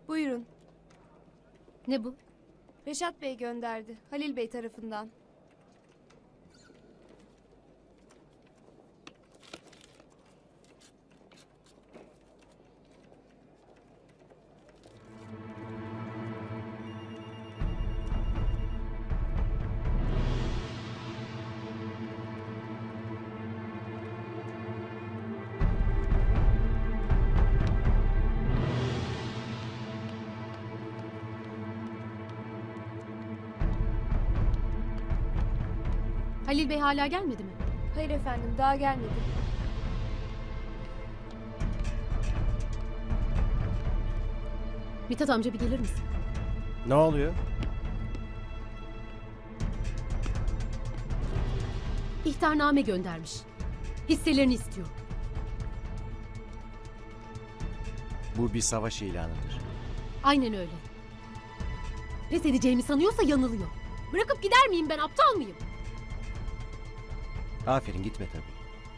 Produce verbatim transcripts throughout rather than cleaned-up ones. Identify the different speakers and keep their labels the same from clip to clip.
Speaker 1: Buyurun.
Speaker 2: Ne bu?
Speaker 1: Reşat Bey gönderdi. Halil Bey tarafından.
Speaker 2: Halil Bey hala gelmedi mi?
Speaker 1: Hayır efendim, daha gelmedi.
Speaker 2: Mithat amca bir gelir misin?
Speaker 3: Ne oluyor?
Speaker 2: İhtarname göndermiş. Hisselerini istiyor.
Speaker 3: Bu bir savaş ilanıdır.
Speaker 2: Aynen öyle. Pes edeceğimi sanıyorsa yanılıyor. Bırakıp gider miyim ben, aptal mıyım?
Speaker 3: Aferin, gitme tabii.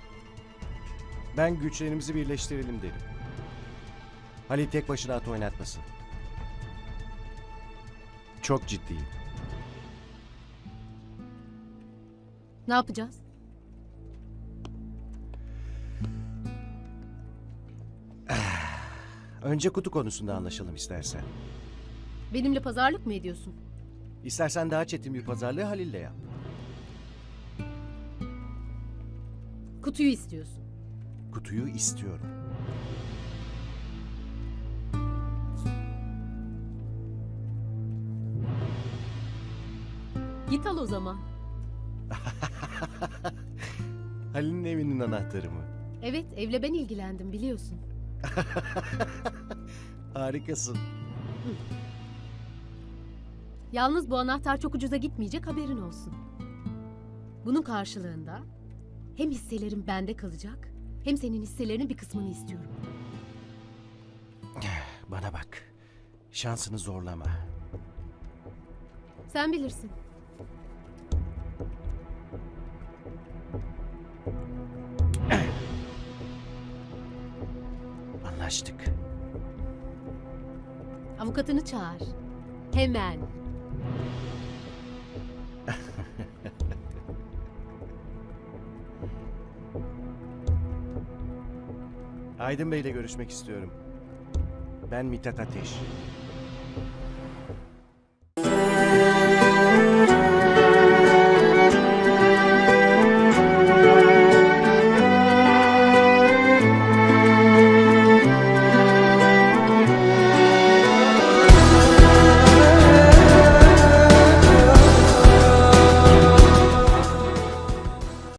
Speaker 3: Ben güçlerimizi birleştirelim derim. Halil tek başına at oynatmasın. Çok ciddiyim.
Speaker 2: Ne yapacağız?
Speaker 3: Önce kutu konusunda anlaşalım istersen.
Speaker 2: Benimle pazarlık mı ediyorsun?
Speaker 3: İstersen daha çetin bir pazarlığı Halil'le yap.
Speaker 2: Kutuyu istiyorsun.
Speaker 3: Kutuyu istiyorum.
Speaker 2: Git al o zaman.
Speaker 3: Halil'in evinin anahtarı mı?
Speaker 2: Evet, evle ben ilgilendim biliyorsun.
Speaker 3: Harikasın.
Speaker 2: Yalnız bu anahtar çok ucuza gitmeyecek, haberin olsun. Bunun karşılığında hem hisselerim bende kalacak, hem senin hisselerinin bir kısmını istiyorum.
Speaker 3: Bana bak. Şansını zorlama.
Speaker 2: Sen bilirsin.
Speaker 3: Anlaştık.
Speaker 2: Avukatını çağır. Hemen.
Speaker 3: Aydın Bey'le görüşmek istiyorum. Ben Mithat Ateş.